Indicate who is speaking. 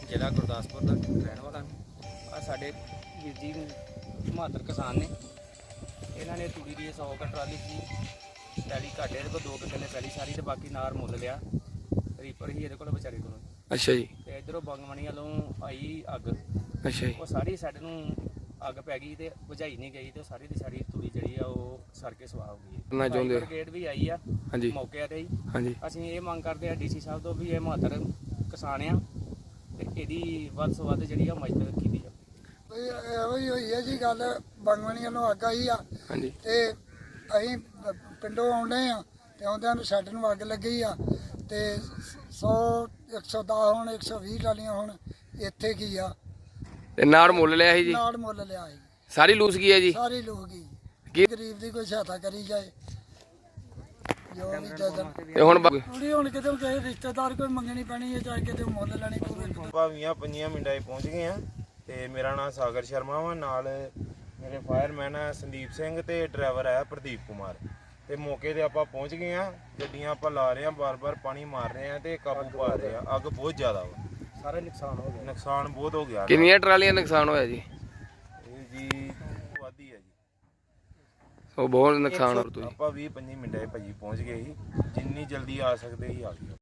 Speaker 1: ਜ਼ਿਲ੍ਹਾ ਗੁਰਦਾਸਪੁਰ ਦਾ ਰਹਿਣ ਵਾਲਾ ਆ। ਸਾਡੇ ਵੀਰ ਜੀ ਮਾਤਰ ਕਿਸਾਨ ਨੇ, ਇਹਨਾਂ ਨੇ ਤੂੜੀ ਦੀ 100 ਕੁ ਟਰਾਲੀ ਸੀ ਪੈਲੀ ਘਾਟੇ ਇਹਦੇ ਕੋਲ 2 ਕਿੱਲੇ ਪੈਲੀ ਸਾਰੀ, ਤੇ ਬਾਕੀ ਨਾਰ ਮੁੱਲ ਲਿਆ। ਰੀਪਰ ਹੀ ਇਹਦੇ ਕੋਲ ਵਿਚਾਰੇ ਕੋਲ।
Speaker 2: ਅੱਛਾ ਜੀ।
Speaker 1: ਤੇ ਇਧਰੋਂ ਬੰਗਮਣੀ ਵੱਲੋਂ ਆਈ ਅੱਗ।
Speaker 2: ਅੱਛਾ ਜੀ।
Speaker 1: ਉਹ ਸਾਰੀ ਸਾਡੇ ਨੂੰ ਅੱਗ ਪੈ ਗਈ ਤੇ ਬੁਝਾਈ ਨਹੀਂ ਗਈ, ਤੇ ਸਾਰੀ ਦੀ ਸਾਰੀ ਤੂੜੀ ਜਿਹੜੀ ਆ ਉਹ ਸੜ ਕੇ ਸਵਾਹ ਹੋ ਗਈ।
Speaker 2: ਕਰਨਾ ਚਾਹੁੰਦੇ
Speaker 1: ਬ੍ਰਿਗੇਡ ਵੀ ਆਈ ਆ
Speaker 2: ਹਾਂਜੀ
Speaker 1: ਮੌਕੇ ਤੇ ਹੀ।
Speaker 2: ਹਾਂਜੀ।
Speaker 1: ਅਸੀਂ ਇਹ ਮੰਗ ਕਰਦੇ ਆ ਡੀਸੀ ਸਾਹਿਬ ਤੋਂ ਵੀ ਇਹ ਮਾਤਰ ਕਿਸਾਨ ਆ ਤੇ ਇਹਦੀ ਵੱਧ ਤੋਂ ਵੱਧ ਜਿਹੜੀ ਆ ਮਦਦ ਕੀਤੀ ਜਾਵੇ।
Speaker 3: ਇਹੋ ਹੀ ਹੋਈ ਹੈ ਜੀ ਗੱਲ। ਬੰਗਮਣੀਆਂ ਨੂੰ ਅੱਗ ਆਈ ਆ
Speaker 2: ਹਾਂਜੀ।
Speaker 3: ਤੇ ਅਸੀਂ ਪਿੰਡੋਂ ਆਉਂਦੇ ਆ ਤੇ ਆਉਂਦਿਆਂ ਨੂੰ ਸਾਡੇ ਨੂੰ ਅੱਗ ਲੱਗੀ ਆ ਤੇ 100 110 ਹੁਣ 120 ਟਰਾਲੀਆਂ ਹੁਣ ਇੱਥੇ ਕੀ ਆ
Speaker 2: ਤੇ ਨਾੜ ਮੁੱਲ ਲਿਆ ਸੀ ਜੀ?
Speaker 3: ਨਾੜ ਮੁੱਲ ਲਿਆ ਸੀ।
Speaker 2: ਸਾਰੀ ਲੂਸ ਗਈ ਹੈ ਜੀ?
Speaker 3: ਸਾਰੀ ਲੋਕ ਹੀ
Speaker 2: ਕੀ
Speaker 3: ਗਰੀਬ ਦੀ ਕੋਈ ਸਹਾਇਤਾ ਕਰੀ ਜਾਏ ਜੋ ਵੀ ਜਦਨ
Speaker 2: ਤੇ ਹੁਣ
Speaker 3: ਥੋੜੀ ਹੁਣ ਕਿਤੇ ਕਿਸੇ ਰਿਸ਼ਤੇਦਾਰ ਕੋਈ ਮੰਗਣੀ ਪੈਣੀ ਹੈ, ਚਾਹੇ ਕਿਤੇ ਮੁੱਲ ਲੈਣੀ ਪਵੇ।
Speaker 4: ਭਾਵੀਆਂ 5 ਮਿੰਟਾਂ 'ਚ ਪਹੁੰਚ ਗਏ ਆ ਤੇ ਮੇਰਾ ਨਾਮ ਸਾਗਰ ਸ਼ਰਮਾ ਵਾ, ਨਾਲ ਮੇਰੇ ਫਾਇਰਮੈਨ ਆ ਸੰਦੀਪ ਸਿੰਘ ਤੇ ਡਰਾਈਵਰ ਆ ਪ੍ਰਦੀਪ ਕੁਮਾਰ। ਤੇ ਮੌਕੇ ਤੇ ਆਪਾਂ ਪਹੁੰਚ ਗਏ ਆ, ਗੱਡੀਆਂ ਆਪਾਂ ਲਾ ਰਹੇ ਆ, ਬਾਰ-ਬਾਰ ਪਾਣੀ ਮਾਰ ਰਹੇ ਆ ਤੇ ਕਾਬੂ ਪਾ ਰਹੇ ਆ। ਅੱਗ ਬਹੁਤ ਜ਼ਿਆਦਾ ਵਾ,
Speaker 1: ਸਾਰਾ ਨੁਕਸਾਨ ਹੋ ਗਿਆ।
Speaker 4: ਨੁਕਸਾਨ ਬਹੁਤ ਹੋ ਗਿਆ।
Speaker 2: ਕਿੰਨੀਆਂ ਟਰਾਲੀਆਂ ਨੁਕਸਾਨ ਹੋਇਆ ਜੀ?
Speaker 4: ਇਹ ਜੀ ਵਾਦੀ ਹੈ ਜੀ।
Speaker 2: ਉਹ ਬਹੁਤ ਨੁਕਸਾਨ ਹੋ ਤੁਸੀਂ।
Speaker 4: ਆਪਾਂ 20-25 ਮਿੰਟਾਂ 'ਚ ਭਾਜੀ ਪਹੁੰਚ ਗਏ ਸੀ, ਜਿੰਨੀ ਜਲਦੀ ਆ ਸਕਦੇ ਸੀ ਆ ਗਏ।